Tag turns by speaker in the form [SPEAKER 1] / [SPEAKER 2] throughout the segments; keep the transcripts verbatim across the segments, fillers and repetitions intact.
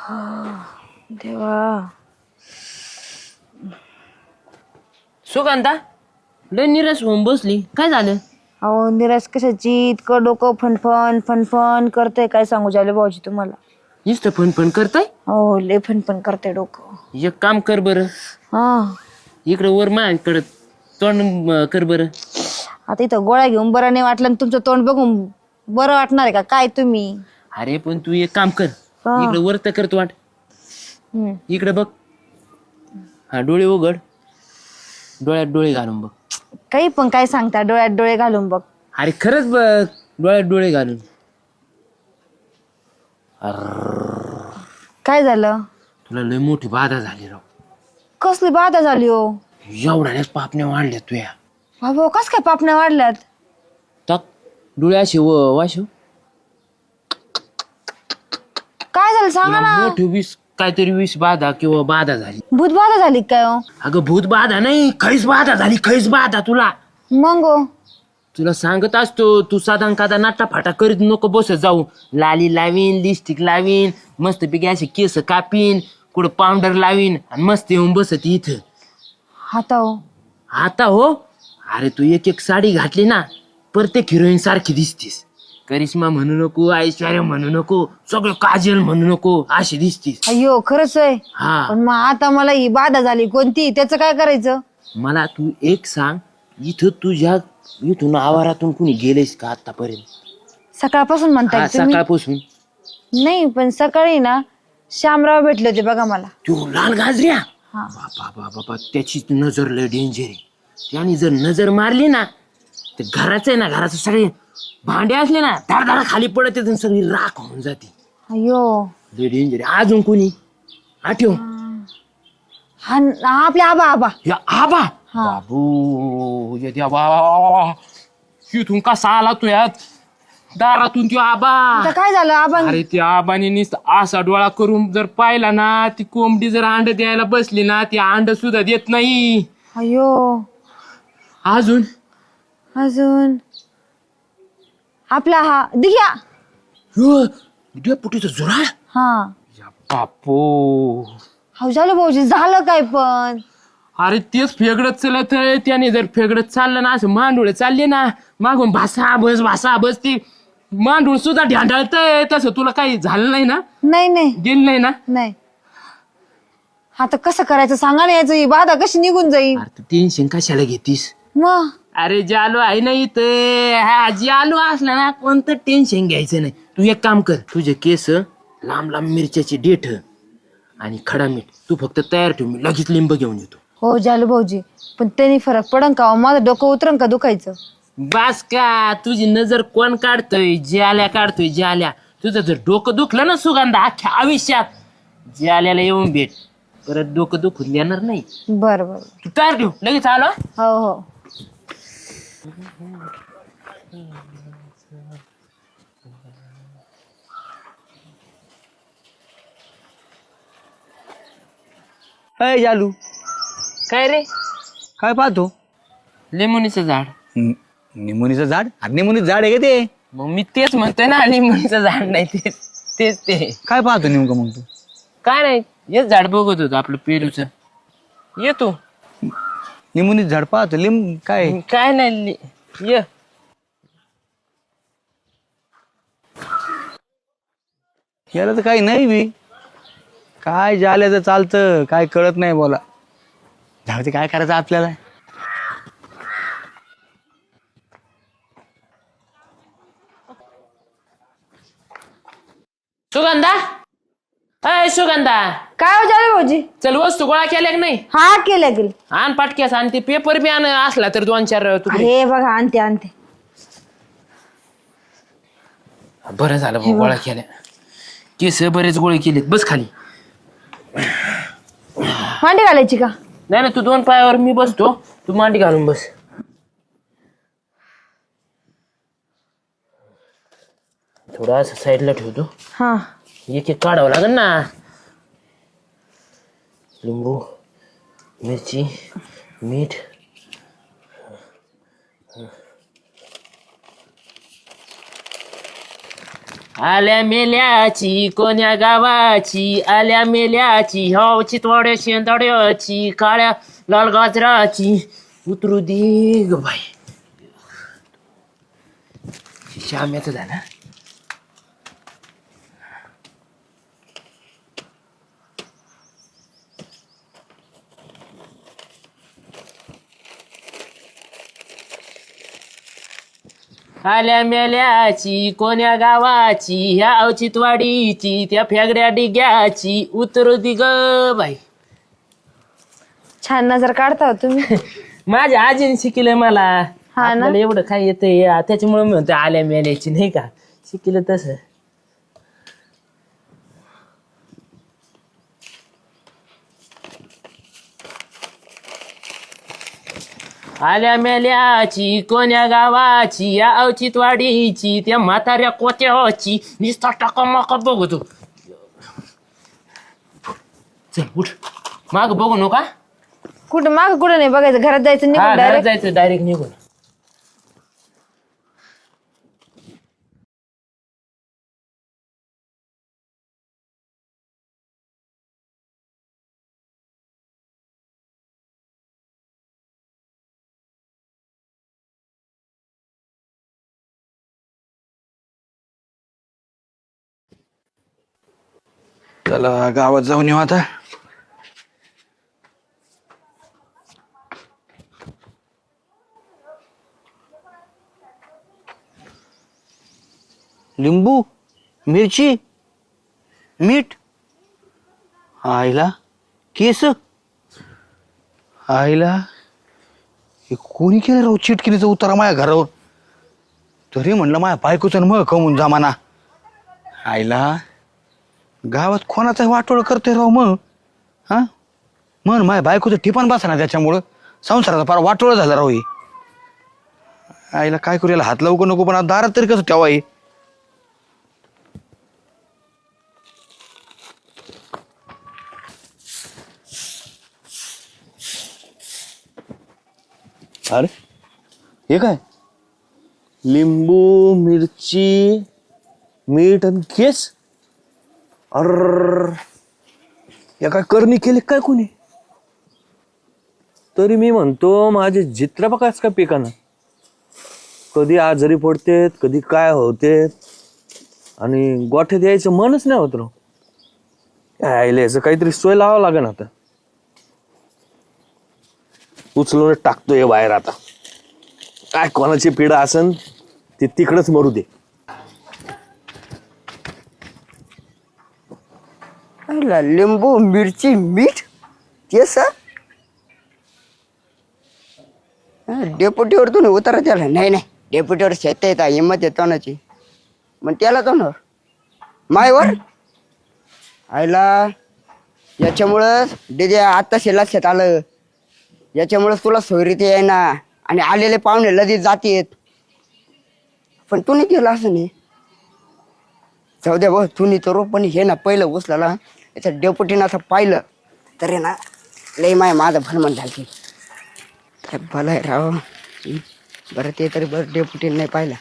[SPEAKER 1] देवा.
[SPEAKER 2] सुगंधा लय निराश होऊन बसली, काय झालं?
[SPEAKER 1] अहो निराश कशाची, इतकं डोकं फनफन फनफन करतंय, काय सांगू झालं भाऊजी तुम्हाला.
[SPEAKER 2] नुसतं फन फन करताय.
[SPEAKER 1] हो लय फनफन करतंय डोकं.
[SPEAKER 2] एक काम कर बरं,
[SPEAKER 1] हा
[SPEAKER 2] इकडं वर माझ्याकडं तोंड अं, कर बरं.
[SPEAKER 1] आता इथं गोळ्या घेऊन बरं नाही वाटलं आणि तुमचं तोंड बघून बरं वाटणार आहे का काय तुम्ही?
[SPEAKER 2] अरे पण तू एक काम कर,
[SPEAKER 1] हा.
[SPEAKER 2] इकडं वर तर करतो वाट,
[SPEAKER 1] हम्म.
[SPEAKER 2] इकडे बघ. हा डोळे उघड, डोळ्यात डोळे घालून बघ.
[SPEAKER 1] काही पण काय सांगता, डोळ्यात डोळे घालून बघ.
[SPEAKER 2] अरे खरंच बघ, डोळ्यात डोळे घालून.
[SPEAKER 1] काय झालं?
[SPEAKER 2] तुला लय मोठी बाधा झाली राव.
[SPEAKER 1] कसली बाधा झाली हो?
[SPEAKER 2] एवढ्यानेच पापण्या वाढल्या तुया.
[SPEAKER 1] बाबा कस काय पापण्या वाढल्यात?
[SPEAKER 2] टाक डोळे असे व वाशव.
[SPEAKER 1] काय झालं सांगा ना.
[SPEAKER 2] मोठी विष काहीतरी विष बाधा किंवा बाधा झाली.
[SPEAKER 1] भूत बाधा झाली काय हो?
[SPEAKER 2] अगं भूत बाधा नाही, खैस बाधा झाली, खैस बाधा. तुला
[SPEAKER 1] मग हो?
[SPEAKER 2] तुला सांगत असतो, तू साधा कादा नाटा फाटा करीत नको बसत जाऊ. लाली लावीन, लिपस्टिक लावीन, मस्त पैकी असे केस कापीन, कुठं पावडर लावीन आणि मस्त येऊन बसत इथं.
[SPEAKER 1] आता हो?
[SPEAKER 2] आता हो? अरे तू एक एक साडी घातली ना, प्रत्येक हिरोईन सारखी दिसतीस. करिश्मा म्हणू नको, ऐश्वर्या म्हणू नको, सगळं काजल म्हणू नको, अशी दिसतीस.
[SPEAKER 1] अय्यो खरंच आहे.
[SPEAKER 2] हा
[SPEAKER 1] पण मग आता मला ही बाधा झाली कोणती, त्याचं काय करायचं?
[SPEAKER 2] मला तू एक सांग, इथं तुझ्या इथून आवारातून कुणी गेलेस का आतापर्यंत?
[SPEAKER 1] सकाळपासून म्हणताय
[SPEAKER 2] हा,
[SPEAKER 1] तुम्ही?
[SPEAKER 2] सकाळपासून.
[SPEAKER 1] नाही पण सकाळी ना श्यामराव भेटले होते बघा मला.
[SPEAKER 2] तू लाल गाजऱ्या,
[SPEAKER 1] हा.
[SPEAKER 2] बाबा बाबा बाबा, त्याची नजर लय डेंजर आहे. त्याने जर नजर मारली ना, तर घराचं आहे ना, घराचं सगळे भांडे असले ना, धार धार खाली पडत येत, सगळी राख होऊन जाते.
[SPEAKER 1] अय्यो.
[SPEAKER 2] लय डेंजर आहे. अजून कोणी आठव?
[SPEAKER 1] हा हा, आपले आबा आबा.
[SPEAKER 2] या आबा.
[SPEAKER 1] हा.
[SPEAKER 2] बाबू या द्या बाबा, इथून कसा आला तू यात दारातून? त्यो आबा.
[SPEAKER 1] आता काय झालं आबा?
[SPEAKER 2] अरे त्या आबाने नुसतं असा डोळा करून जर पाहिला ना, ती कोंबडी जर अंड द्यायला बसली ना, ती अंड सुद्धा देत नाही.
[SPEAKER 1] अय्यो.
[SPEAKER 2] अजून
[SPEAKER 1] अजून आपला हा दिघ्या.
[SPEAKER 2] डेपुटीचं जुराळ.
[SPEAKER 1] हा.
[SPEAKER 2] या बापो.
[SPEAKER 1] हो झालं भाऊजी, झालं काय पण?
[SPEAKER 2] अरे तेच फेगडत चलत आहे. त्याने जर फेगडत चाललं ना, असं मांडुळे चालले ना, मागून भासा बस भासा बस, ती मांडूळ सुद्धा ढांढळतंय. तसं तुला काही झालं नाही ना?
[SPEAKER 1] नाही नाही
[SPEAKER 2] गेलं नाही ना?
[SPEAKER 1] नाही. आता कसं करायचं सांगा ना, याचं ही बाधा कशी निघून जाईल?
[SPEAKER 2] अरे तू टेन्शन कशाला घेतीस?
[SPEAKER 1] मग
[SPEAKER 2] अरे जालू आहे ना इथं. हा जालू असला ना, कोणतं टेन्शन घ्यायचं नाही. तू एक काम कर, तुझे केस लांब लांब मिरच्याची देठ आणि खडा मीठ तू फक्त तयार ठेव, मी लगेच लिंब घेऊन येतो.
[SPEAKER 1] हो झालं भाऊजी, पण त्यांनी फरक पडन का? माझं डोकं उतरन का दुखायचं?
[SPEAKER 2] बास का, तुझी नजर कोण काढतोय? जाल्या काढतोय जाल्या. तुझं जर डोकं दुखलं ना सुगंधा, अख्ख्या आयुष्यात जाल्याला येऊन भेट, परत डोकं दुखून देणार नाही.
[SPEAKER 1] बर बर.
[SPEAKER 2] तू तयार ठेव, लगेच आलो.
[SPEAKER 1] हो हो.
[SPEAKER 3] अय जालू,
[SPEAKER 2] काय रे?
[SPEAKER 3] काय पाहतो?
[SPEAKER 2] लिंबुनीचं झाड.
[SPEAKER 3] निमोनीचं झाड? अरे निमोनीचं झाड आहे का ते?
[SPEAKER 2] मग मी तेच म्हणतोय ना, लिंबुनीचं झाड नाही, तेच तेच ते.
[SPEAKER 3] काय पाहतो नेमकं मग तू?
[SPEAKER 2] काय नाही, हेच झाड बघत होतो आपलं पेरूचं. येतो.
[SPEAKER 3] निमोनीचं झाड पाहतो? लिंब काय?
[SPEAKER 2] काय नाही लि- ये.
[SPEAKER 3] याला तर काही नाही बी. काय झाल्याचं चालतं, काय कळत नाही बोला. झाड ते काय करायचं आपल्याला?
[SPEAKER 2] सुगंधा, अय सुगंधा,
[SPEAKER 1] काय हो झालं भाऊजी?
[SPEAKER 2] चल वस्तू गोळा केल्या की नाही?
[SPEAKER 1] हा केलं गेलं.
[SPEAKER 2] आण पाटक्यास, आणि ते पेपर बी आण असला तर दोन चार तुकडे.
[SPEAKER 1] अरे बघा आणते आणते.
[SPEAKER 2] बरं झालं भाऊ, गोळा केल्या. केस बरेच गोळे केलेत. बस खाली.
[SPEAKER 1] मांडी घालायची का?
[SPEAKER 2] नाही ना, तू दोन पायावर मी बसतो, तू मांडी घालून बस. थोडं असं साईडला ठेवतो.
[SPEAKER 1] हा.
[SPEAKER 2] एक एक काढावं लागेल ना. लिंबू, मिरची, मीठ. आल्या मेल्याची कोण्या गावाची, आल्या मेल्याची हो चितवाड्या शेंदाड्याची, काळ्या लाल गाजराची उतरू दे ग बाई. श्याम्याचं झालं. आल्या मेल्याची कोण्या गावाची, ह्या औचितवाडीची, त्या फेगड्या डिग्याची उतरू दि ग बाई.
[SPEAKER 1] छान नजर काढता हो तुम्ही.
[SPEAKER 2] माझ्या आजीने शिकलं मला.
[SPEAKER 1] हा ना?
[SPEAKER 2] आपल्याला एवढं काय येतंय त्याच्यामुळे मी म्हणतो आल्या मेल्याची नाही का, शिकलं तसं. आल्या मेल्याची कोण्या गावाची, या औचितवाडीची, त्या म्हाताऱ्या कोत्याची निस्ता टाका माका बघतो. चल उठ, माग बघू नका.
[SPEAKER 1] कुठं माग कुठं नाही बघायचं, घरात जायचं
[SPEAKER 2] हा,
[SPEAKER 1] निघून
[SPEAKER 2] घरात
[SPEAKER 1] डायरेक्ट.
[SPEAKER 2] जायचं डायरेक्ट निघून.
[SPEAKER 3] चला गावात जाऊन येऊ आता. लिंबू, मिरची, मीठ, आईला केस, आईला हे कोणी केलं राहू चिटकिनीचा उतारा माझ्या घरावर. तरी म्हणलं माझ्या बायकोचं मग कमून जमाना. आईला गावात कोणाचं वाटोळ करते राव मग. हा मन माझ्या बायकोचं ठिपाण बसा ना, त्याच्यामुळं संसाराचा फार वाटोळ झाला राव. ही आईला काय करू, याला हात लावू नको, पण आता दारात तरी कसं ठेवा. हे अरे हे काय, लिंबू, मिरची, मीठ आणि केस. अर या काय करणी केली काय कोणी.
[SPEAKER 4] तरी मी म्हणतो माझे चित्र बघाच का पिकाना, कधी आजारी पडतेत कधी काय होते, आणि गोठ्यात यायचं मनच नाही होत राव. यायला याचं काहीतरी सोय लावावं लागेल आता. उचलून टाकतोय बाहेर आता. काय कोणाची पिढा असन ती तिकडच मरू दे.
[SPEAKER 5] आईला लिंबू, मिरची, मीठ, केस. डेपुटीवर तुम्ही उतारा त्याला. नाही नाही, डेपुटीवर शेत येत हिंमत आहे तोंडाची, मग त्याला तोंडावर मायवर. आईला याच्यामुळं डिजे आत्ता लक्षात आलं, याच्यामुळं तुला सोयरीत येईना आणि आलेले पाहुणे लगेच जातीत. पण तू नाही केलं असं नाही. जाऊ द्या भाऊ, तुम्ही तर पण हे ना पहिलं उचलाला याच्या डेपुटीनं असं पाहिलं तर आहे ना लई माय माझं भलमन झाली. काय भलं आहे राव. बरं ते तरी बरं डेपुटीनं नाही पाहिलं.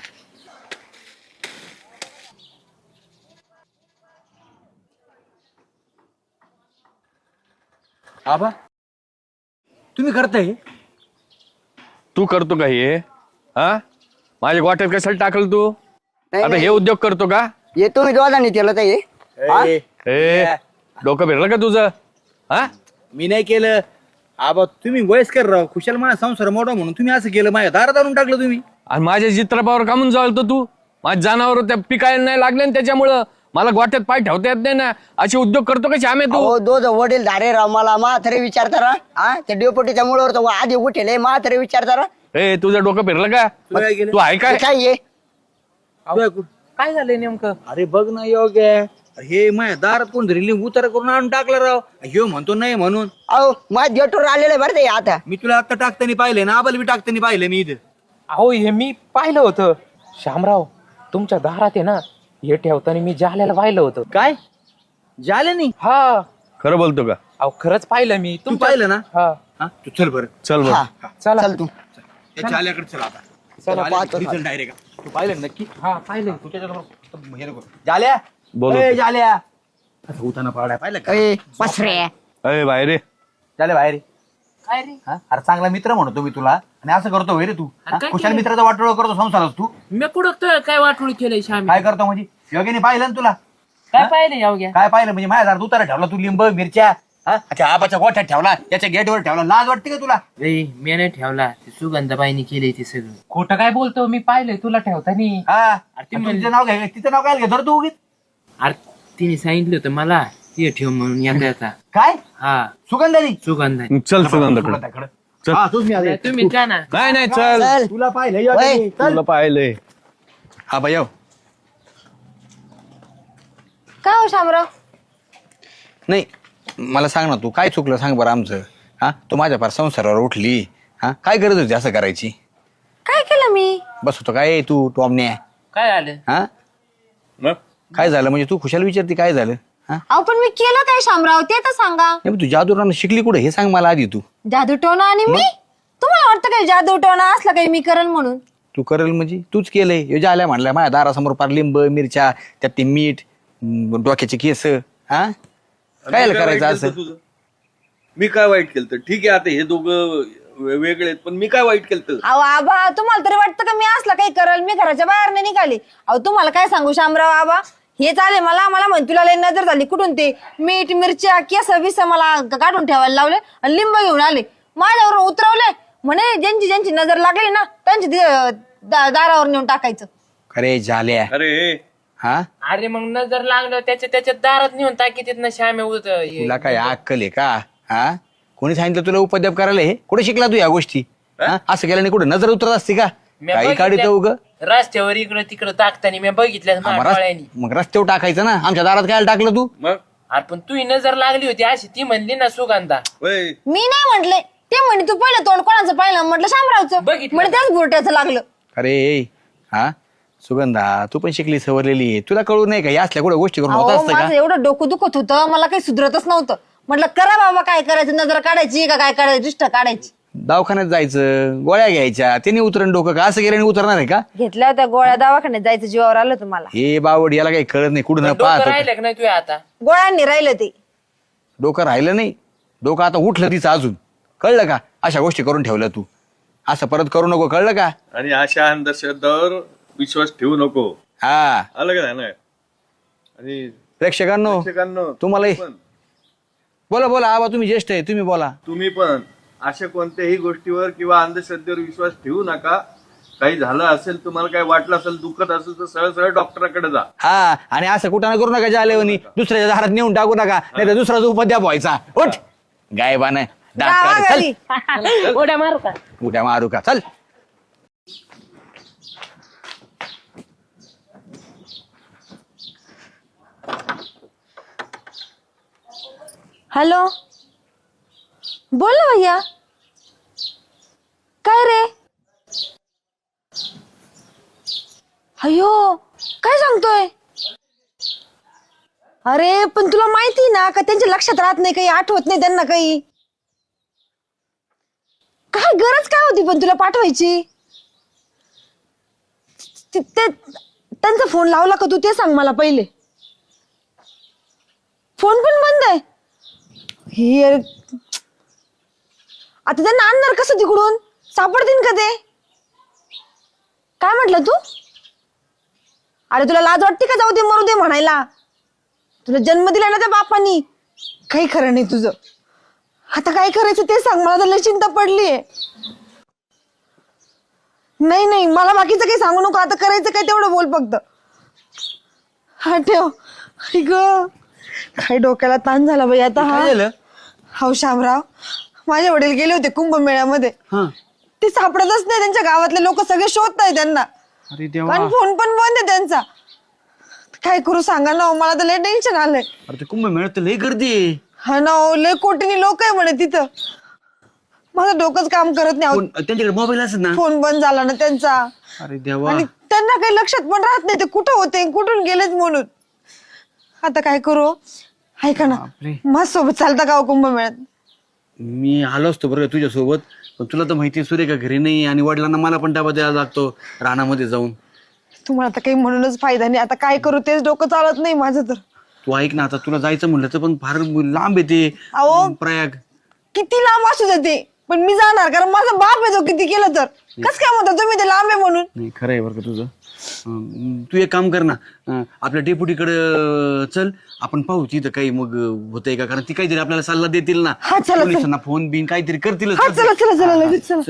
[SPEAKER 3] आबा तुम्ही करताय,
[SPEAKER 4] तू करतो का हे? हा माझ्या गोठ्यात कशाला टाकलं तू?
[SPEAKER 5] नाही,
[SPEAKER 4] आता हे
[SPEAKER 5] नाही.
[SPEAKER 4] उद्योग करतो का?
[SPEAKER 5] ये तुम्ही दोघांनी केलं तर हे हा?
[SPEAKER 4] ए डोकं फिरलं का तुझं? हा
[SPEAKER 3] मी नाही केलं. आबा तुम्ही वयस्कर राव, खुशाल माझा संसार मोडा म्हणून तुम्ही असं केलं, माझ्या दारात आणून टाकलं तुम्ही.
[SPEAKER 4] आणि माझ्या चित्रपावर कामून जाळतो तू? माझ्या जनावर त्या पिकायला नाही लागले ना, त्याच्यामुळं मला गोठ्यात पाय ठेवता येत नाही ना. असे उद्योग करतो का श्यामे तू?
[SPEAKER 5] हो दोघ वडील धारे राव. मला म्हातारे विचारता रा हा त्या डेपुटीच्या मुळावर तो आधी उठेल म्हातारे विचारता रा.
[SPEAKER 4] ए तुझं डोकं फिरलं का?
[SPEAKER 3] तू काय केलं?
[SPEAKER 4] तू आहे काय?
[SPEAKER 5] हे काय ये
[SPEAKER 2] काय झालंय नेमकं?
[SPEAKER 3] अरे बघ ना योग्य, हे माझ्या दारात कोण धरली उतारा करून आणून टाकला राव. ह्यो म्हणतो नाही म्हणून.
[SPEAKER 5] अहो माझ्या गेटवर आलेलं बरं ते आता.
[SPEAKER 3] मी तुला आता टाकताना पाहिले ना, आबाला बी टाकताना पाहिले मी इथं.
[SPEAKER 2] अहो हे मी पाहिलं होतं शामराव, तुमच्या दारात आहे ना हे ठेवताना मी जाल्याला पाहिलं होतं.
[SPEAKER 3] काय झाले नाही?
[SPEAKER 2] हा
[SPEAKER 4] खरं बोलतो का?
[SPEAKER 2] अहो खरंच पाहिलं मी.
[SPEAKER 3] तू पाहिलं ना?
[SPEAKER 2] हा
[SPEAKER 3] हा तू चल बरं,
[SPEAKER 4] चल बरं.
[SPEAKER 5] हा
[SPEAKER 2] चला.
[SPEAKER 5] चल तू
[SPEAKER 3] त्या जाल्याकडे चल आता.
[SPEAKER 5] चला पाहतो.
[SPEAKER 3] डायरेक्ट तू पाहिलं नक्की?
[SPEAKER 2] हा पाहिलं तुझ्या
[SPEAKER 3] हे नको. जाल्या
[SPEAKER 4] बोलवतो.
[SPEAKER 3] ए, जाल्या असं उताना पावड्या पाहिलं का
[SPEAKER 5] ए पसरे
[SPEAKER 4] अय बाहेर ये.
[SPEAKER 3] जाल्या बाहेर ये.
[SPEAKER 2] काय रे
[SPEAKER 3] हा? अरे चांगला मित्र म्हणतो मी तुला आणि असं करतो होय रे तू
[SPEAKER 2] अरे
[SPEAKER 3] हा?
[SPEAKER 2] काय
[SPEAKER 3] खुशाल
[SPEAKER 2] केलं?
[SPEAKER 3] मित्राचा वाटोळ करतो संसारात तू
[SPEAKER 2] मी कुठं तर काय वाटोळ केलंय श्यामी
[SPEAKER 3] काय करतो म्हणजे योग्याने पाहिलं ना तुला
[SPEAKER 2] काय पाहिलं याव घ्या
[SPEAKER 3] काय पाहिलं म्हणजे माझ्या दारात उतारा ठेवला तू लिंब मिरच्या हा? अच्छा आबाच्या गोठ्यात ठेवला याच्या गेटवर ठेवला लाज वाटते का तुला
[SPEAKER 2] रे मी नाही ठेवला ते सुगंधाबाईनी केलंय ते सगळं खोटं काय बोलतो मी पाहिलंय तुला ठेवतानी
[SPEAKER 3] हा
[SPEAKER 2] अरे ती
[SPEAKER 3] आणि
[SPEAKER 2] म्हणली-
[SPEAKER 3] तुझं नाव घ्याय तिचं नाव काय घेतो रे तू उगीच
[SPEAKER 2] अरे तिने सांगितलं होतं मला ते ठेव म्हणून येता येता
[SPEAKER 3] काय
[SPEAKER 2] हा
[SPEAKER 3] सुगंधानी
[SPEAKER 2] सुगंधा
[SPEAKER 4] चल सुगंधाकडे
[SPEAKER 3] सुगंधाकडे.
[SPEAKER 4] चल.
[SPEAKER 3] हा, तूच मी आले.
[SPEAKER 2] तुम्ही जा ना
[SPEAKER 4] नाही नाही चल
[SPEAKER 5] चल
[SPEAKER 3] तुला पाहिलं
[SPEAKER 5] वय.
[SPEAKER 3] योग्याने. चल.
[SPEAKER 4] तुला पाहिलंय.
[SPEAKER 3] हा बाई
[SPEAKER 1] काय हो शामराव?
[SPEAKER 3] नाही मला सांग ना तू काय चुकलं सांग बरं आमचं हा तू माझ्या फार संसारावर उठली हा काय गरज होती असं करायची
[SPEAKER 1] काय केलं मी?
[SPEAKER 3] बस होतो काय तू टॉमने
[SPEAKER 2] काय झालं
[SPEAKER 3] हा
[SPEAKER 4] मग?
[SPEAKER 3] काय झालं म्हणजे तू खुशाल विचारते काय झालं हा
[SPEAKER 1] अहो पण मी केलं काय शामराव ते तर सांगा.
[SPEAKER 3] नाही पण तू जादूरानं शिकली कुठे हे सांग मला आधी तू
[SPEAKER 1] जादू टोना आणि मी? तुम्हाला वाटतं काय जादू टोना असला काही मी करेन म्हणून?
[SPEAKER 3] तू करेल म्हणजे तूच केलंय यो आल्या म्हणलं माझ्या दारासमोर पार लिंब मिरच्या त्यात ते मीठ म, डोक्याचे केस हा काय करायचं असं
[SPEAKER 4] तुझं मी काय वाईट केलं तर ठीक आहे आता हे दोघं वे- वेगळे आहेत पण मी काय वाईट केलं तर
[SPEAKER 1] अहो आबा तुम्हाला तरी वाटतं का मी असला काही करेल? मी घराच्या बाहेर नाही निघाली. अहो तुम्हाला काय सांगू शामराव आबा हे चाले मला मला म्हण तुला लय नजर झाली कुठून ते मीठ मिरच्या केस बिस मला काढून ठेवायला लावले आणि लिंब घेऊन आले माझ्यावर उतरवले म्हणे ज्यांची ज्यांची नजर लागली ना त्यांची ती, अं, दा- दारावर नेऊन टाकायचं.
[SPEAKER 3] अरे झाल्या
[SPEAKER 4] अरे
[SPEAKER 3] हा
[SPEAKER 2] अरे मग नजर लागलं त्याच्या त्याच्या दारात नेऊन टाकी तिथनं श्यामे उत
[SPEAKER 3] तुला काय अक्कल आहे का हा कोणी सांगितलं तुला उपद्याप करायला हे कुठे शिकला तू या गोष्टी हा? असं केल्याने कुठे नजर उतरत असते का
[SPEAKER 2] मी
[SPEAKER 3] काही
[SPEAKER 2] बघितल्या-
[SPEAKER 3] काढित उग
[SPEAKER 2] रस्त्यावर इकडं तिकडं टाकताना मी बघितलं माझ्या डोळ्यांनी.
[SPEAKER 3] मग रस्त्यावर टाकायचं ना आमच्या दारात काय टाकलं तू
[SPEAKER 4] मग
[SPEAKER 2] अरे पण तुही नजर लागली होती अशी ती म्हणली ना सुगंधा
[SPEAKER 4] वय
[SPEAKER 1] मी नाही म्हंटले ते म्हणे तू पहिलं तोंड कोणाचं पाहिलं म्हटलं शामरावचं
[SPEAKER 2] बघितलं.
[SPEAKER 1] म्हणे त्याच बुरट्याचं लागलं.
[SPEAKER 3] अरे हा सुगंधा तू पण शिकली सवरलेली आहे. तुला कळू नाही का या असल्या कुठे गोष्टी करून होत
[SPEAKER 1] अहो
[SPEAKER 3] असतं
[SPEAKER 1] माझं
[SPEAKER 3] का
[SPEAKER 1] एवढं डोकं दुखत होतं मला काही सुधरतच नव्हतं. म्हटलं करा बाबा काय करायचं नजर काढायची का काय काढायची दृष्ट काढायची.
[SPEAKER 3] दवाखान्यात जायचं गोळ्या घ्यायच्या त्याने उतरण डोकं का असं केल्याने उतरणार आहे का
[SPEAKER 1] घेतल्या होत्या गोळ्या दवाखान्यात जायचं जीवावर आलं तुम्हाला.
[SPEAKER 3] हे बावड याला काही कळत नाही कुठं न
[SPEAKER 2] डोकं
[SPEAKER 3] पाहत
[SPEAKER 2] राहिलं का नाही तुझ्या आता
[SPEAKER 1] गोळ्यांनी राहिलं ते.
[SPEAKER 3] डोकं राहिलं नाही डोकं आता उठलं तिचं अजून कळलं का अशा गोष्टी करून ठेवलं तू असं परत करू नको कळलं का
[SPEAKER 4] आणि अशा अंधश्रद्धावर विश्वास ठेवू नको
[SPEAKER 3] हा
[SPEAKER 4] आलं का नाही आणि
[SPEAKER 3] प्रेक्षकांनो
[SPEAKER 4] प्रेक्षकांनो,
[SPEAKER 3] तुम्हाला
[SPEAKER 4] पण
[SPEAKER 3] बोला बोला आबा तुम्ही ज्येष्ठ आहे तुम्ही बोला
[SPEAKER 4] तुम्ही पण अशा कोणत्याही गोष्टीवर किंवा अंधश्रद्धेवर विश्वास ठेवू नका काही झालं असेल तुम्हाला काही वाटलं असेल दुखत असेल तर सरळ सरळ डॉक्टराकडे जा
[SPEAKER 3] हा आणि असं कुठं ना करू नका जालेवनी दुसऱ्याच्या दारात नेऊन टाकू नका नाही तर दुसराचा उपद्याप व्हायचा उठ गायबान
[SPEAKER 1] जावा घरी.
[SPEAKER 2] उड्या मारू का
[SPEAKER 3] उद्या मारू का चल
[SPEAKER 1] हॅलो बोल ना भैया काय रे अयो काय सांगतोय अरे पण तुला माहिती ना का त्यांच्या लक्षात राहत नाही काही आठवत नाही त्यांना काही काय गरज काय होती पण तुला पाठवायची ते- ते- त्यांचा फोन लावला का तू ते सांग मला पहिले फोन पण बंद आहे हे आता त्यांना आणणार कसं तिकडून सापडतील का ते काय म्हटलं तू अरे तुला लाज वाटते का जाऊ दे मरू दे म्हणायला तुला जन्म दिला ना त्या बापानी काही खरं नाही तुझं आता काय करायचं ते सांग मला तर लय चिंता पडलीये नाही नाही मला बाकीचं काही सांगू नको आता करायचं काय तेवढं बोल फक्त हा ठेव आई ग काय डोक्याला ताण झाला बाई आता हा
[SPEAKER 3] काय झालं
[SPEAKER 1] हाव शामराव माझे वडील गेले होते कुंभमेळ्यामध्ये ते सापडतच नाही त्यांच्या गावातले लोक सगळे शोधताय त्यांना
[SPEAKER 3] अरे देवा
[SPEAKER 1] आणि फोन पण बंद आहे त्यांचा काय करू सांगा ना हो, मला तर लय टेन्शन आलंय
[SPEAKER 3] अरे ते कुंभ मिळत लय गर्दी आहे.
[SPEAKER 1] हा ना हो, लय कोटीनी लोक आहे म्हणे तिथं माझं डोकंच काम करत नाही अहो,
[SPEAKER 3] कोण- त्यांच्याकडे मोबाईल असेल ना
[SPEAKER 1] फोन बंद झाला ना त्यांचा
[SPEAKER 3] अरे देवा
[SPEAKER 1] आणि त्यांना काही लक्षात पण राहत नाही ते कुठं होते कुठून गेलेच म्हणून आता काय करू ऐका ना
[SPEAKER 3] बापरे.
[SPEAKER 1] माझ्यासोबत चालता का हो कुंभमेळ्यात
[SPEAKER 3] मी आलो असतो बरं तुझ्या सोबत पण तुला तर माहिती सुरेखा घरी नाही आणि वडिलांना मला पण डबा द्यायला लागतो रानामध्ये जाऊन
[SPEAKER 1] तुम्हाला आता काही म्हणूनच फायदा नाही. आता काय करू तेच डोकं चालत नाही माझं तर.
[SPEAKER 3] तू ऐक ना, आता तुला जायचं म्हणलं तर पण फार लांब येते
[SPEAKER 1] अहो.
[SPEAKER 3] प्रयाग.
[SPEAKER 1] किती लांब असू देते पण मी जाणार, कारण माझा बाप आहे तो किती केलं तर. कस काय म्हणता तुम्ही ते लांब आहे म्हणून?
[SPEAKER 3] नाही खरं आहे बरं का तुझं. अं, तू एक काम कर ना, अं, आपल्या डेप्युटीकडे चल, आपण पाहू तिथं काही मग होतंय का, कारण ती काहीतरी आपल्याला सल्ला देतील ना.
[SPEAKER 1] हा, चला, चला.
[SPEAKER 3] पोलिसांना फोन बिन काहीतरी करतीलच.
[SPEAKER 1] हा चला चला चला लगेच चला.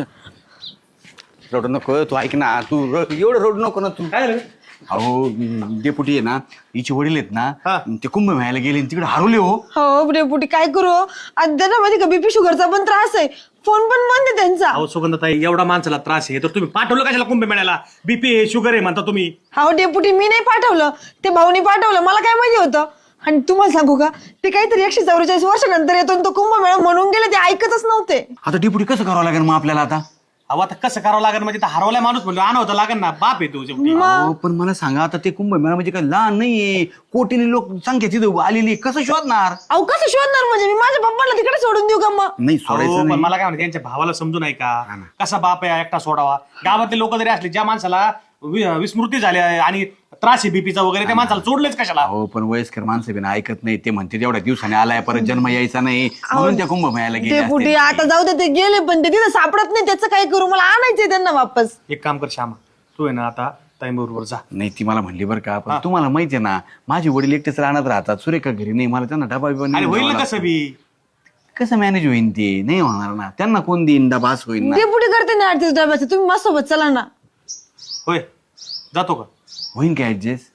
[SPEAKER 3] रोड नको तू, ऐक ना तू, र- एवढं रोड नको ना तू.
[SPEAKER 2] काय झालं?
[SPEAKER 3] अहो डेपुटी आहे ना, हिचे वडील आहेत ना, ते कुंभमेळ्याला गेले आणि तिकडे हरवले हो.
[SPEAKER 1] हो डेपुटी काय करू? आणि त्यांना माहिती का बीपी शुगरचा पण त्रास आहे, फोन पण बंद आहे त्यांचा.
[SPEAKER 6] अहो सुगंधताई, एवढा माणसाला त्रास आहे तर तुम्ही पाठवलं कशाला कुंभमेळ्याला? बीपी आहे, शुगर आहे म्हणता तुम्ही.
[SPEAKER 1] हो डेपुटी मी नाही पाठवलं, ते भाऊनी पाठवलं, मला काय माहिती होतं. आणि तुम्हाला सांगू का, ते काहीतरी एकशे चौवेचाळीस वर्षानंतर येतो आणि तो कुंभमेळा म्हणून गेले, ते ऐकतच नव्हते.
[SPEAKER 3] आता डेपुटी कसं करावं लागेल मग आपल्याला आता?
[SPEAKER 6] अहो आता कसं करावं लागेल म्हणजे तर हरवलाय माणूस म्हणलो आणवतं लागेल ना, बाप आहे तू शेवटी.
[SPEAKER 3] अहो, पण मला सांगा आता, ते कुंभमेळा म्हणजे काय लहान नाहीये, कोटीने लोक संख्या तिथं आलेली आहे. कसं शोधणार?
[SPEAKER 1] अहो कसं शोधणार म्हणजे? मी माझ्या पप्पाला तिकडे सोडून देऊ का मग?
[SPEAKER 3] नाही
[SPEAKER 6] अहो,
[SPEAKER 3] सोडायचं
[SPEAKER 6] पण
[SPEAKER 3] नाही.
[SPEAKER 6] मला काय म्हणते, त्यांच्या भावाला समजून आहे का कसा बाप आहे एकटा सोडावा? गावातले लोक जरी असले, ज्या माणसाला वि- विस्मृती झाली आहे आणि त्रास आहे बीपीचा वगैरे, त्या माणसाला सोडलेच कशाला?
[SPEAKER 3] हो पण वयस्कर माणसं बिना ऐकत नाही. ते म्हणते तेवढ्या दिवसाने आलाय, परत जन्म यायचा नाही, म्हणून त्या कुंभमेळ्याला गेले
[SPEAKER 1] डेपुटी
[SPEAKER 3] असतील.
[SPEAKER 1] आता जाऊ दे, ते गेले पण ते तिथं सापडत नाही, त्याचं काय करू? मला आणायचंय त्यांना वापस.
[SPEAKER 6] एक काम कर श्यामा, तू आहे ना आता टाइम बरोबर जा.
[SPEAKER 3] नाही ती मला म्हणली बरं का, पण तुम्हाला माहितीये ना, माझे वडील एकटेच राहणार राहतात, सुरेखा घरी नाही, मला त्यांना डबा बिबा
[SPEAKER 6] अरे
[SPEAKER 3] नेऊन
[SPEAKER 6] होईल
[SPEAKER 3] द्यावा
[SPEAKER 6] ना कसं बी.
[SPEAKER 3] लागतो. कसं मॅनेज होईन? ते नाही होणार ना, त्यांना कोण देईन डबा, असं होईन ना.
[SPEAKER 1] डेपुटी करते ना अडतीस डब्याचं, तुम्ही माझ्या सोबत चला ना.
[SPEAKER 6] होय जातो का?
[SPEAKER 3] होईन काय ऍडजस्ट?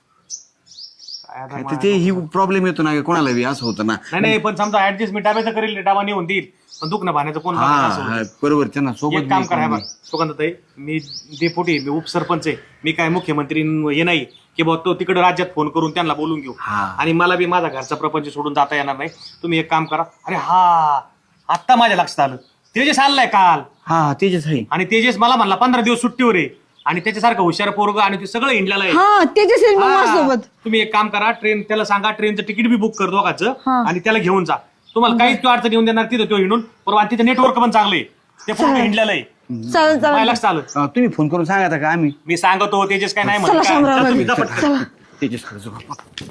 [SPEAKER 6] काय आता
[SPEAKER 3] ते ही प्रॉब्लेम येतो ना, कोणाला बी असं होतं ना.
[SPEAKER 6] नाही नाही, पण समजा ऍडजस्ट मी डाब्याचं करेल, डाबा नेऊन देईल, पण दुखणं भाण्याचं कोण
[SPEAKER 3] हा
[SPEAKER 6] बघणार असं
[SPEAKER 3] हा,
[SPEAKER 6] होतं.
[SPEAKER 3] बरोबर, त्यांना सोबत
[SPEAKER 6] एक काम
[SPEAKER 3] बी
[SPEAKER 6] करा
[SPEAKER 3] कोणी
[SPEAKER 6] बघ सुगंधताई, मी डेपुटी, मी उपसरपंच आहे, मी काय मुख्यमंत्री हे नाही की बाबा तो तिकडे राज्यात फोन करून त्यांना बोलून घेऊ.
[SPEAKER 3] हा.
[SPEAKER 6] आणि मला बी माझा घरचा प्रपंच सोडून जाता येणार नाही. तुम्ही एक काम करा. अरे हा, आत्ता माझ्या लक्षात आलं, तेजस आलाय काल,
[SPEAKER 3] हा तेजस आहे.
[SPEAKER 6] आणि तेजस मला म्हणला पंधरा दिवस सुट्टीवर आहे, आणि त्याच्यासारखं हुशार पोरग आणि ते सगळं इंडियाला आहे.
[SPEAKER 1] हा त्याच्याच
[SPEAKER 6] हा.
[SPEAKER 1] माझ्यासोबत.
[SPEAKER 6] तुम्ही एक काम करा, ट्रेन त्याला सांगा ट्रेनचं तिकीट बी बुक कर दोघांचं, आणि त्याला घेऊन जा. तुम्हाला काहीच तो अडचण येऊन देणार तिथं, तो हिंडून परवा, तिथं नेटवर्क पण चांगलं आहे, ते पूर्ण हिंडलेलं आहे.
[SPEAKER 1] चालेल
[SPEAKER 6] माझ्या
[SPEAKER 1] चालेल.
[SPEAKER 6] लक्षात आलं.
[SPEAKER 3] अं, तुम्ही फोन करून सांगा आता का आम्ही
[SPEAKER 6] मी सांगतो, तेजस काय नाही
[SPEAKER 1] चला
[SPEAKER 6] म्हणत.
[SPEAKER 1] शामराव
[SPEAKER 6] चला, तुम्ही
[SPEAKER 1] बाई.
[SPEAKER 6] जा पटकन.
[SPEAKER 1] चला.
[SPEAKER 3] तेजस कडे जाऊ आपण.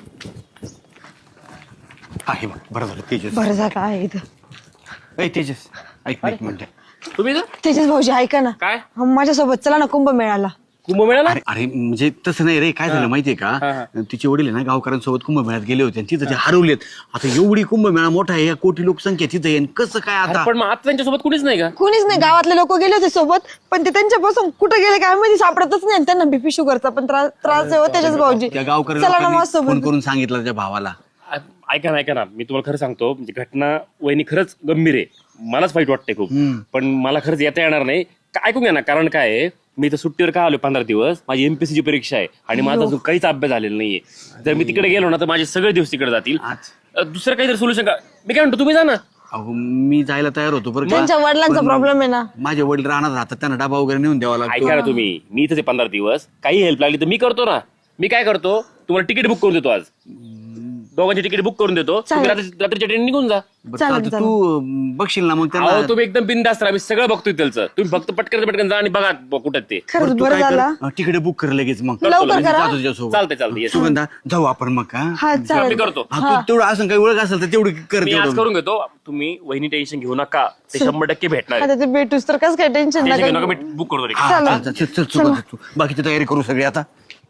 [SPEAKER 3] आहे बघ, बरं झालं तेजस.
[SPEAKER 1] बरं झालं आहे इथं.
[SPEAKER 3] ए तेजस, ऐक ना एक मिनिट.
[SPEAKER 2] तुम्ही ना
[SPEAKER 1] तेजस भाऊजी ऐका ना,
[SPEAKER 2] काय
[SPEAKER 1] माझ्यासोबत चला ना कुंभमेळ्याला.
[SPEAKER 2] कुंभमेळ्याला?
[SPEAKER 3] अरे अरे म्हणजे तसं नाही रे, काय झालं माहितीये का, तिचे वडील आहे ना गावकऱ्यांसोबत कुंभमेळ्यात गेले होते आणि तिथं ते हरवलेत. आता एवढी कुंभमेळा मोठा आहे, या कोटी लोकसंख्या तिथं आहे, आणि कसं काय आता?
[SPEAKER 2] पण मग आता त्यांच्यासोबत कुणीच नाही का?
[SPEAKER 1] कुणीच नाही, गावातले लोक गेले होते सोबत, पण ते त्यांच्यापासून कुठे गेले काय माहिती, सापडतच नाही. त्यांना बीपी शुगरचा पण त्रास त्रास आहे हो तेजस भाऊजी.
[SPEAKER 3] त्या
[SPEAKER 1] चला ना
[SPEAKER 3] गावकऱ्यांना फोन
[SPEAKER 1] माझ्यासोबत.
[SPEAKER 3] करून सांगितलं त्याच्या भावाला.
[SPEAKER 7] आ- ऐका ना ऐका ना, मी तुम्हाला खरं सांगतो, म्हणजे घटना वहिनी खरंच गंभीर आहे, मलाच वाईट वाटते खूप, पण मला खरंच येता येणार नाही. का- ऐकून घ्या ना, कारण काय आहे, मी तर सुट्टीवर का आलो पंधरा दिवस, माझी एमपीएससी ची परीक्षा आहे आणि माझा अजून काहीच अभ्यास झालेला नाहीये. जर मी तिकडे गेलो ना तर माझे सगळे दिवस तिकडे जातील. अ, दुसरं काहीतरी सोल्युशन का? मी काय म्हणतो, तुम्ही जा ना.
[SPEAKER 3] अहो मी जायला तयार होतो बरं का.
[SPEAKER 1] त्यांच्या वडिलांचा
[SPEAKER 3] पण
[SPEAKER 1] प्रॉब्लेम आहे ना.
[SPEAKER 3] माझे वडील राहणार राहतात, त्यांना डबा वगैरे नेऊन द्यावा लागतो.
[SPEAKER 7] ऐका ना तुम्ही, मी इथं पंधरा दिवस, काही हेल्प लागली तर मी करतो ना. मी काय करतो, तुम्हाला तिकीट बुक करून देतो, आज दोघांची तिकीट बुक करून देतो, तुम्ही रात्री- रात्रीच्या ट्रेन निघून जा.
[SPEAKER 3] बरं, चालतं, तू अं, बघशील ना मग त्यांना.
[SPEAKER 7] अहो तुम्ही एकदम बिनधास्त राहा, मी सगळं बघतोय त्याचं. तुम्ही फक्त पटकन पटकन जा आणि बघा ब- कुठं ते.
[SPEAKER 1] खरंच
[SPEAKER 3] तू
[SPEAKER 1] बरं
[SPEAKER 3] काय कर,
[SPEAKER 1] झालं.
[SPEAKER 3] अं, तिकडे बुक कर लगेच मग.
[SPEAKER 1] लवकर करा.
[SPEAKER 3] जातो तुझ्यासोबत.
[SPEAKER 7] चालतंय चालतंय yes.
[SPEAKER 3] सुगंधा जाऊ आपण मग का?
[SPEAKER 1] हा
[SPEAKER 7] मी
[SPEAKER 1] चालेल.
[SPEAKER 7] करतो.
[SPEAKER 3] हा, तू तेवढं असं काही ओळख असेल तर तेवढी कर.
[SPEAKER 7] मी आज
[SPEAKER 3] तेवढं.
[SPEAKER 7] करून घेतो, तुम्ही वहिनी टेन्शन घेऊ नका, ते शंभर टक्के भेटणार आहे.
[SPEAKER 1] आता ते भेटूस तर कसं काय टेन्शन
[SPEAKER 7] टेन्शन घेऊ नका,
[SPEAKER 1] नका.
[SPEAKER 7] मी बुक करतो लगेच.
[SPEAKER 3] हा,
[SPEAKER 1] चला.
[SPEAKER 3] चल, चल, चल, सुगंधा, तू बाकीची तयारी करू सगळी आता.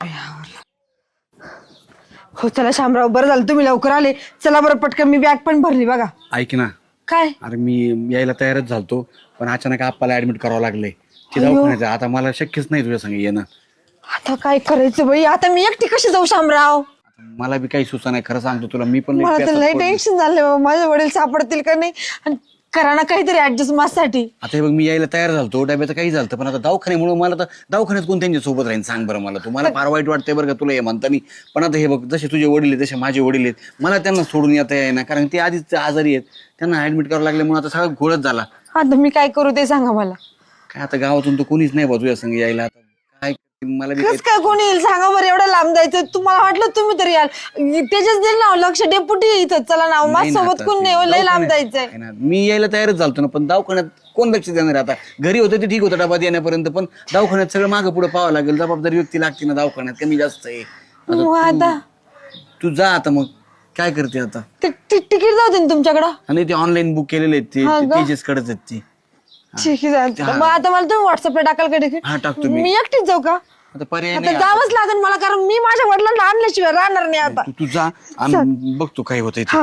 [SPEAKER 1] हो चला शामराव, बरं झालं तुम्ही लवकर आले. चला बरं पटकन, मी बॅग पण भरली बघा.
[SPEAKER 3] ऐक ना,
[SPEAKER 1] काय?
[SPEAKER 3] अरे मी यायला तयारच झालतो, पण अचानक आप्पाला ऍडमिट करावं लागलंय. ते दवाखान्यात आहे. आता मला शक्यच नाही तुझ्या संग येणं.
[SPEAKER 1] आता काय करायचं बाई, आता मी एकटी कशी जाऊ शामराव?
[SPEAKER 3] मला बी काही सुचा नाही, खरं सांगतो तुला. मी पण लई
[SPEAKER 1] मला तर
[SPEAKER 3] प्यासात
[SPEAKER 1] लय
[SPEAKER 3] पडलो.
[SPEAKER 1] टेन्शन झालंय बाबा, माझे वडील सापडतील का नाही, आणि करा ना काहीतरी ऍडजस्ट माझ्यासाठी.
[SPEAKER 3] आता हे बघ, मी यायला तयार झालतो, डब्याचं काही झालं, पण आता दवाखान्यामुळे मला तर दवाखान्यात कोण त्यांच्या सोबत राहील सांग बरं मला. तू मला फार वाईट वाटतंय बरं का तुला हे म्हणतानी, पण आता हे बघ, जसे तुझे वडील आहेत तसे माझे वडील आहेत, मला त्यांना सोडून येता येईना, कारण ते आधीच आजारी आहेत. त्यांना ऍडमिट करावं लागल्यामुळे आता सगळा घोळच झाला.
[SPEAKER 1] आता मी काय करू ते सांगा मला.
[SPEAKER 3] काय आता गावातून तर कोणीच नाही बा तुझ्या संग यायला. आता काय मला बी
[SPEAKER 1] कस काय कोणी येईल सांगा बरं, एवढं लांब जायचं तुम्हाला वाटलं तुम्ही तरी याल. त्याच्याच दिल ना लक्ष, डेपुटी इथं चला ना,
[SPEAKER 3] नाही
[SPEAKER 1] माझ्या
[SPEAKER 3] ना
[SPEAKER 1] सोबत
[SPEAKER 3] आता
[SPEAKER 1] कोण
[SPEAKER 3] ते
[SPEAKER 1] नाही हो, लय लांब
[SPEAKER 3] दवाखान्यात-
[SPEAKER 1] जायचंय.
[SPEAKER 3] आहे ना, मी यायला तयारच झालतो ना, पण दवाखान्यात कोण लक्ष देणार आहे आता? घरी होतं ते ठीक होतं डबा देण्यापर्यंत, पण दवाखान्यात सगळं मागं पुढे पाहावं लागेल, जबाबदारी व्यक्ती लागते ना दवाखान्यात, कमी जास्त आहे.
[SPEAKER 1] मग आता
[SPEAKER 3] तू जा आता, मग काय करते आता?
[SPEAKER 1] ते- ते तिकीट जाऊ दे ना तुमच्याकडं.
[SPEAKER 3] आणि ते ऑनलाईन बुक केलेले आहेत ते
[SPEAKER 1] हा का?
[SPEAKER 3] तेजस कडेच आहेत ते.
[SPEAKER 1] ठीक आहे चालतं. मग आता मला तुम्ही व्हॉट्सअपला टाकाल का तिकीट?
[SPEAKER 3] हा, टाकतो मी.
[SPEAKER 1] मी एकटीच जाऊ का?
[SPEAKER 3] आता पर्याय
[SPEAKER 1] आता
[SPEAKER 3] नाही.
[SPEAKER 1] जावंच लागेल मला, कारण मी माझ्या वडिलांना आणल्याशिवाय राहणार नाही आता.
[SPEAKER 3] तू तू जा आणि बघतो काय होतंय ते.
[SPEAKER 1] हा.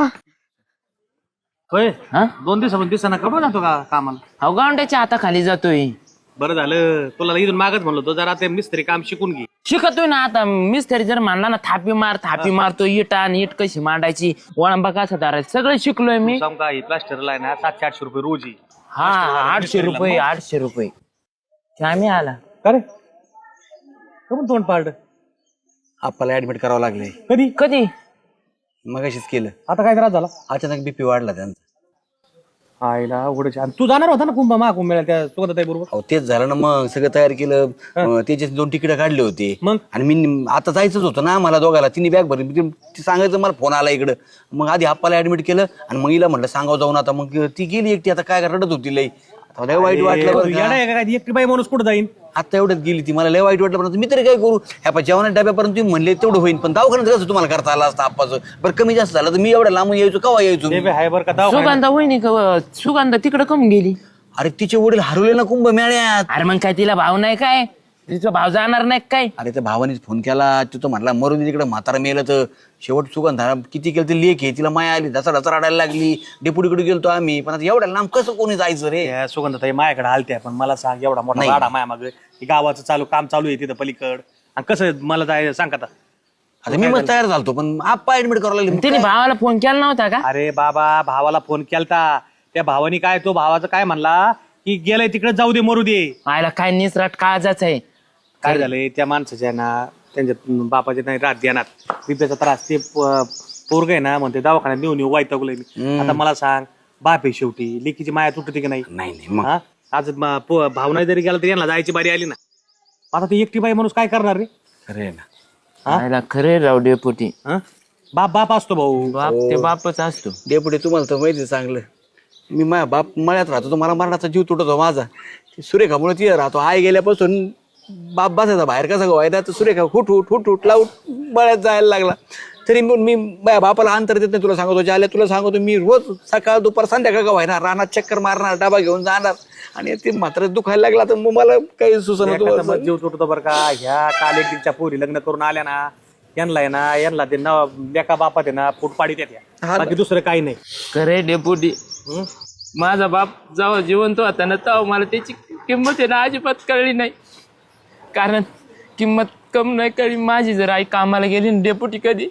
[SPEAKER 6] होय
[SPEAKER 2] हा
[SPEAKER 6] दोन दिवसापासून दिवसांना कपडे जातो का कामाला?
[SPEAKER 2] अहो गावंड्याच्या हाताखाली जातोय.
[SPEAKER 6] बरं झालं, तुला इथून मागच म्हणलो तो जरा ते मिस्त्री काम शिकून घे.
[SPEAKER 2] शिकतोय ना आता. मिस्त्री जर म्हणला ना थापी मार थापी मारतो, इट आणि इट कशी मांडायची, वळंबा कसा धरायचं, सगळं शिकलोय मी.
[SPEAKER 6] सांग का, ही प्लास्टरला आहे ना सातशे आठशे रुपये रोज आहे.
[SPEAKER 2] हा आठशे रुपये आठशे रुपये आम्ही आला.
[SPEAKER 6] का रे कमून तोंड पाडलं?
[SPEAKER 3] आपल्याला ऍडमिट करावं लागलंय.
[SPEAKER 6] कधी
[SPEAKER 2] कधी
[SPEAKER 3] मगाशीच केलं.
[SPEAKER 6] आता काय त्रास झाला?
[SPEAKER 3] अचानक बीपी वाढला त्यांचा.
[SPEAKER 6] आईला उघडच. तू जाणार होता ना कुंभ महाकुंभ मेळा त्या सुगंधाताई बरोबर?
[SPEAKER 3] अहो तेच झालं ना, मग सगळं तयार केलं. अं, त्याचे दोन तिकीट काढले होते.
[SPEAKER 6] मग?
[SPEAKER 3] आणि मी आता जायचंच होतं ना मला दोघाला, तिने बॅग भरली. ती- ती सांगायचं मला फोन आला इकडं. मग आधी आप्पाला ऍडमिट केलं आणि मग हिला म्हटलं सांगावं जाऊन. आता मग ती गेली एकटी, आता काय रडत होती लई. आता लय वाईट वाटलं बरं का.
[SPEAKER 6] काय एकटी बाई माणूस कुठं जाईन?
[SPEAKER 3] आता एवढ्यात गेली ती, मला लय वाईट वाटलं. पण मी तरी काय करू? ह्या पा जेवणा डब्यापर्यंत तुम्ही म्हणले तेवढं होईल, पण दवाखान्यात कसं तुम्हाला करता आला असतं आप्पाचं? बरं कमी जास्त झालं तर मी एवढ्या लांबून यायचो, केव्हा यायचो?
[SPEAKER 6] ते बी आहे बरं का दवाखान्यात.
[SPEAKER 2] सुगंधा वहिनी का सुगंधा तिकडे कम गेली?
[SPEAKER 3] अरे तिचे वडील हरवले ना कुंभ मेळ्यात.
[SPEAKER 2] अरे मग काय तिला भाव नाही काय? तिचा भाव जाणार नाही काय?
[SPEAKER 3] अरे त्या भावानेच फोन केला, तू तर म्हणला मरून तिकडे म्हातारा मेलं. तर शेवट सुगंधा किती केलं ते लेख आहे, तिला माया आली, धसा धसा रडायला लागली. डेपुटीकडे गेलतो आम्ही, पण आता एवढ्या लांब कसं कोणी जायचं रे?
[SPEAKER 6] त्या सुगंधाताई माझ्याकडे आलत्या, पण मला सांग एवढा मोठा
[SPEAKER 3] नाही.
[SPEAKER 6] वाडा माया माग गावाचं चालू काम चालू आहे तिथं पलीकड, आणि कसं मला जाय सांग आता.
[SPEAKER 3] आता मी मग तयार झालतो, पण आप्पा ऍडमिट करावं लागले.
[SPEAKER 2] तिने भावाला फोन केला नव्हता का?
[SPEAKER 6] अरे बाबा भावाला फोन केलता, त्या भावानी काय तो भावाचं काय म्हणला की गेलाय तिकडे जाऊ दे मरू दे.
[SPEAKER 2] आयला काय निसराट काळजाच आहे.
[SPEAKER 6] काय झालंय त्या माणसाच्या ना त्यांच्या बापाच्या नाही रात ध्यानात बिप्याचा त्रास, ते पोरग आहे ना म्हणते दवाखान्यात नेऊन येऊ वाईटगलोय मी. आता मला सांग, बाप आहे शेवटी, लेकीची माया तुटते की नाही?
[SPEAKER 3] नाही नाही मग
[SPEAKER 6] हा आज म- पो- भावना जरी गेला तरी यांना जायची बारी आली ना. आता ती एकटी बाई माणूस काय करणार रे?
[SPEAKER 3] खरे ना.
[SPEAKER 2] आयला खरे राव डेपुटी.
[SPEAKER 6] हा बाप बाप असतो भाऊ.
[SPEAKER 2] बाप ते बापच असतो.
[SPEAKER 3] डेपुटी तुम्हाला तर माहिती आहे चांगलं, मी माझ्या बाप मळ्यात राहतो, तो मला मरणाचा जीव तुटतो माझा. सुरेखामुळे तिथे राहतो. आई गेल्यापासून बाप बसायचा बाहेर कसा व्हायचा, तर सुरेखा हुट हुट हुट हुट लावूट मळ्यात जायला लागला. तरी मी मी माझ्या बापाला अंतर देत नाही. तुला सांगतो ज्याला तुला सांगतो, मी रोज सकाळ दुपार संध्याकाळ का व्हायना रानात चक्कर मारणार, डबा घेऊन जाणार. आणि ते मात्र दुखायला लागला तर मग मला काही सुचना.
[SPEAKER 6] एखादा मग जीव तुटतो बरं का. ह्या काल एकच्या पोरी लग्न करून आल्या ना, यांना आहे ना यांना ते ना लेका बापात आहे ना फूट पाडीत येत्या, बाकी दुसरं काही नाही.
[SPEAKER 2] खरे डेपुटी. माझा बाप जेव्हा जिवंत होता ना, तेव्हा मला त्याची किंमत आहे ना अजिबात कळली नाही. कारण किंमत कम नाही कळली माझी. जर आई कामाला गेली ना डेपुटी, कधी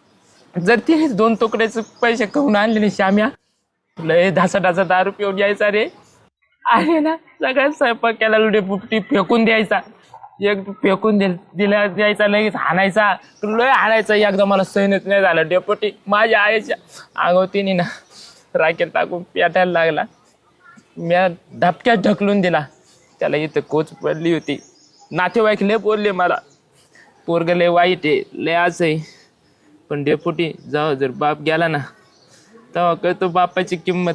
[SPEAKER 2] जर तिने दोन तुकड्याचे पैसे करून आणले नाही, श्याम्या लय ढासा ढासा दारू पिऊन यायचा रे. आहे ना सगळ्यात स्वयंपाक केला डेपुटी फेकून द्यायचा. एक फेकून दे दिला द्यायचा, लगेच हाणायचा, लय हाणायचा. एकदा मला सहनच नाही झालं डेपुटी. माझ्या आईच्या आगवतीने ना राखेत टाकून पेटायला लागला. म्या धपक्यात ढकलून दिला त्याला. इथं कोच पडली होती. नातेवाईक लय बोलले मला, पोरग लय वाईट आहे, लय असं आहे. पण डेपुटी जेव्हा जर बाप गेला ना, तेव्हा कळतो बापाची किंमत.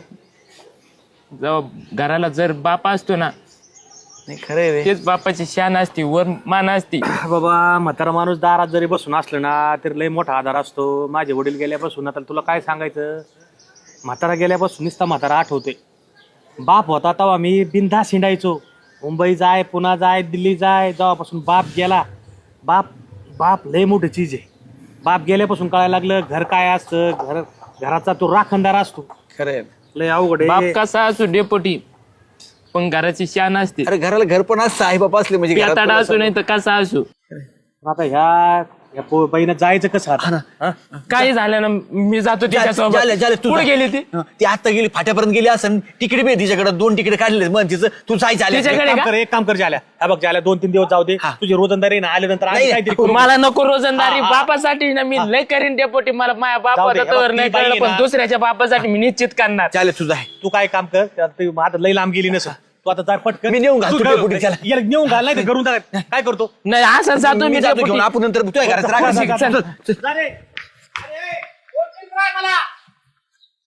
[SPEAKER 2] जेव्हा घराला जर बाप असतो ना,
[SPEAKER 3] नाही खरं रे.
[SPEAKER 2] तेच बापाची शान असती, वर मान असती.
[SPEAKER 6] बाबा म्हातारा माणूस दारात जरी बसून असलं ना तर लय मोठा आधार असतो. माझे वडील गेल्यापासून आता तुला काय सांगायचं, म्हातारा गेल्यापासून नुसता म्हातारा आठवतोय. बाप होता तेव्हा मी बिनधास्त हिंडायचो. मुंबई जाय, पुन्हा जाय, दिल्ली जाय. जेव्हापासून बाप गेला, बाप बाप लय मोठी चीज आहे. बाप गेल्यापासून कळायला लागलं घर काय असतं. घर घराचा तो राखणदार असतो.
[SPEAKER 3] खरं
[SPEAKER 6] लय अवघड
[SPEAKER 2] बाप
[SPEAKER 6] आहे.
[SPEAKER 2] कसा असो डेपुटी, पण घराची शान असते.
[SPEAKER 3] अरे घराला घर पण असतं, आई बाप असले म्हणजे घरात
[SPEAKER 2] पेताडा
[SPEAKER 3] कोण
[SPEAKER 2] असो नाही तर कसा असो.
[SPEAKER 6] आता ह्या या पो- बाईनं जायचं कसं आता? हा?
[SPEAKER 2] काही झालं ना, मी जातो
[SPEAKER 3] जा-
[SPEAKER 2] तिच्यासोबत.
[SPEAKER 3] जाले- जाले, तू
[SPEAKER 2] कुठे
[SPEAKER 3] जा.
[SPEAKER 2] गेली ती?
[SPEAKER 3] हं, ती आता गेली फाट्यापर्यंत गेली असं. तिकीट बी तिच्याकडे दोन तिकीट काढले मग तिचं. तू जायचं आले
[SPEAKER 2] तिच्याकडे
[SPEAKER 6] एक काम
[SPEAKER 2] का?
[SPEAKER 6] कर, एक काम कर झाल्या. हा बघ झाल्या, दोन तीन दिवस जाऊ दे.
[SPEAKER 3] हा.
[SPEAKER 6] तुझी रोजंदारी ना आल्यानंतर आम्ही
[SPEAKER 3] नाही,
[SPEAKER 6] काहीतरी करू.
[SPEAKER 2] मला नको रोजंदारी.
[SPEAKER 6] हा, हा.
[SPEAKER 2] बापासाठी ना मी लय करीन डेपोटी. मला माझ्या
[SPEAKER 6] जाऊ दे,
[SPEAKER 2] बापाचा
[SPEAKER 6] हे बघ,
[SPEAKER 2] तर
[SPEAKER 6] ती
[SPEAKER 2] नाही
[SPEAKER 6] बाई
[SPEAKER 2] कळलं,
[SPEAKER 6] आहे
[SPEAKER 2] पण
[SPEAKER 6] ना.
[SPEAKER 2] दुसऱ्याच्या बापासाठी मी निश्चित करणार.
[SPEAKER 3] चालेल तुझा आहे.
[SPEAKER 6] तू काय काम कर, त्यात तू आता लई लांब गेली नसं. तू आता जाय पटकन
[SPEAKER 3] मी नेऊन घालतो
[SPEAKER 6] तू काय-
[SPEAKER 3] डेपुटी त्याला.
[SPEAKER 6] याला नेऊन घाल नाही तर घरून टाक. काय करतो
[SPEAKER 2] नाही असं जातो मी
[SPEAKER 3] मी जातो
[SPEAKER 2] डेपुटी.
[SPEAKER 3] घेऊन आपण नंतर तुझ्या घरात राग-
[SPEAKER 6] जा रे. अरे, कोण चित्र आहे मला